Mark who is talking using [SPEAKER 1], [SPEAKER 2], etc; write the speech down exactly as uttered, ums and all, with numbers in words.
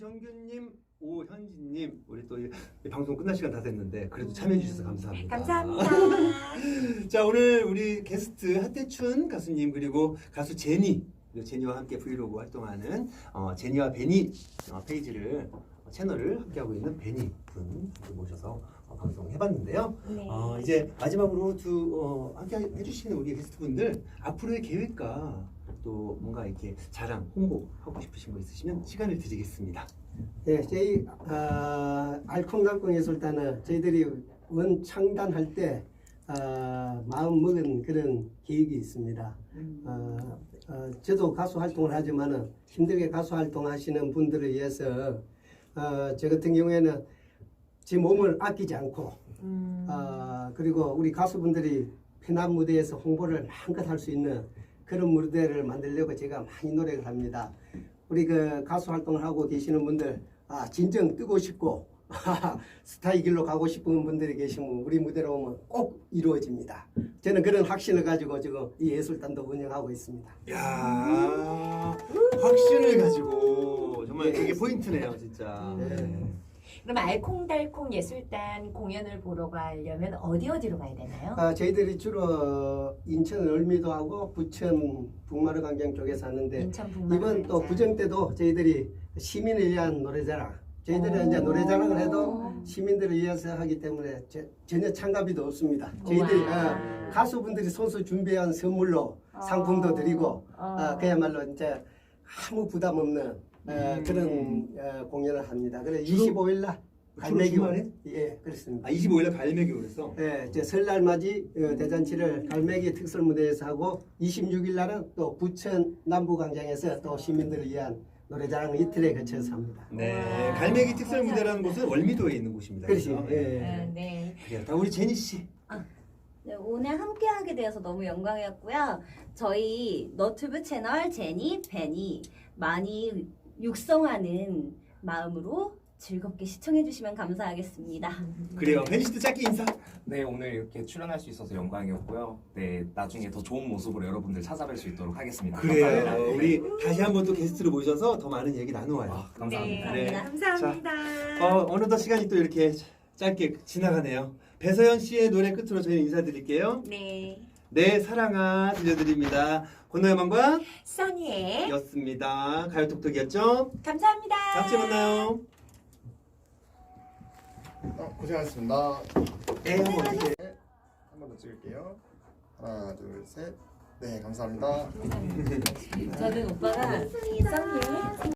[SPEAKER 1] 이정균님, 오현진님, 우리 또 이 방송 끝날 시간 다 됐는데 그래도 참여해 주셔서 감사합니다.
[SPEAKER 2] 감사합니다.
[SPEAKER 1] 자, 오늘 우리 게스트 하태춘 가수님 그리고 가수 제니, 그리고 제니와 함께 브이로그 활동하는 어, 제니와 베니 어, 페이지를 어, 채널을 함께하고 있는 베니 분 모셔서 어, 방송해봤는데요.
[SPEAKER 2] 네.
[SPEAKER 1] 어, 이제 마지막으로 두 어, 함께 해주시는 우리 게스트분들 앞으로의 계획과 또 뭔가 이렇게 자랑, 홍보하고 싶으신 거 있으시면 시간을 드리겠습니다.
[SPEAKER 3] 예, 저희 어, 알콩달콩 예술단은 저희들이 원 창단할 때 어, 마음 먹은 그런 계획이 있습니다. 어, 어, 저도 가수 활동을 하지만은 힘들게 가수 활동하시는 분들을 위해서 어, 저 같은 경우에는 제 몸을 아끼지 않고
[SPEAKER 2] 음.
[SPEAKER 3] 어, 그리고 우리 가수분들이 편한 무대에서 홍보를 마음껏 할 수 있는 그런 무대를 만들려고 제가 많이 노력을 합니다. 우리 그 가수 활동을 하고 계시는 분들, 아, 진정 뜨고 싶고, 스타의 길로 가고 싶은 분들이 계시면 우리 무대로 오면 꼭 이루어집니다. 저는 그런 확신을 가지고 지금 이 예술단도 운영하고 있습니다.
[SPEAKER 1] 야 확신을 가지고 정말 그게 포인트네요, 진짜.
[SPEAKER 3] 네.
[SPEAKER 2] 그럼 알콩달콩 예술단 공연을 보러 가려면 어디 어디로 가야 되나요?
[SPEAKER 3] 아, 저희들이 주로 인천 을미도 하고 부천 북마루 광장 쪽에서 하는데
[SPEAKER 2] 인천 북마루
[SPEAKER 3] 이번 또
[SPEAKER 2] 광장.
[SPEAKER 3] 구정 때도 저희들이 시민을 위한 노래자랑 저희들은 이제 노래자랑을 해도 시민들을 위해서 하기 때문에 제, 전혀 참가비도 없습니다. 저희들이 어, 가수분들이 손수 준비한 선물로 상품도 드리고 어, 그야말로 이제 아무 부담 없는 어, 그런 어, 공연을 합니다. 그래서 이십오 일 날 갈매기
[SPEAKER 1] 주말에?
[SPEAKER 3] 예 그렇습니다.
[SPEAKER 1] 아, 이십오 일 날 갈매기 그랬어?
[SPEAKER 3] 예, 이제 설날 맞이 어, 대잔치를 갈매기 특설 무대에서 하고 이십육 일 날은 또 부천 남부광장에서 또 시민들을 위한 노래자랑 이틀에 거쳐서 합니다.
[SPEAKER 1] 네,
[SPEAKER 2] 와.
[SPEAKER 1] 갈매기 특설 무대라는 곳은 월미도에 있는 곳입니다.
[SPEAKER 3] 그렇지.
[SPEAKER 1] 그렇죠?
[SPEAKER 3] 예.
[SPEAKER 2] 아, 네.
[SPEAKER 1] 그래요. 다 우리 제니 씨.
[SPEAKER 4] 네, 오늘 함께하게 되어서 너무 영광이었고요. 저희 너튜브 채널 제니, 베니 많이 육성하는 마음으로 즐겁게 시청해주시면 감사하겠습니다.
[SPEAKER 1] 그래요. 베니 씨도 짧게 인사.
[SPEAKER 5] 네, 오늘 이렇게 출연할 수 있어서 영광이었고요. 네, 나중에 더 좋은 모습으로 여러분들 찾아뵐 수 있도록 하겠습니다.
[SPEAKER 1] 그래요.
[SPEAKER 5] 감사합니다.
[SPEAKER 1] 우리 다시 한번 또 게스트로 모셔서 더 많은 얘기 나누어요.
[SPEAKER 5] 아, 감사합니다.
[SPEAKER 1] 네.
[SPEAKER 2] 감사합니다.
[SPEAKER 1] 어, 어느덧 시간이 또 이렇게 짧게 지나가네요. 배서연 씨의 노래 끝으로 저희 인사드릴게요.
[SPEAKER 2] 네.
[SPEAKER 1] 네, 사랑아 들려드립니다. 권노야만과
[SPEAKER 2] 써니의
[SPEAKER 1] 였습니다. 가요톡톡이었죠?
[SPEAKER 2] 감사합니다.
[SPEAKER 1] 다음 주에 만나요.
[SPEAKER 6] 어, 고생하셨습니다.
[SPEAKER 1] 네, 한번 어떻게.
[SPEAKER 6] 한 번 더 찍을게요. 하나, 둘, 셋. 네, 감사합니다.
[SPEAKER 2] 저는 오빠가 써니의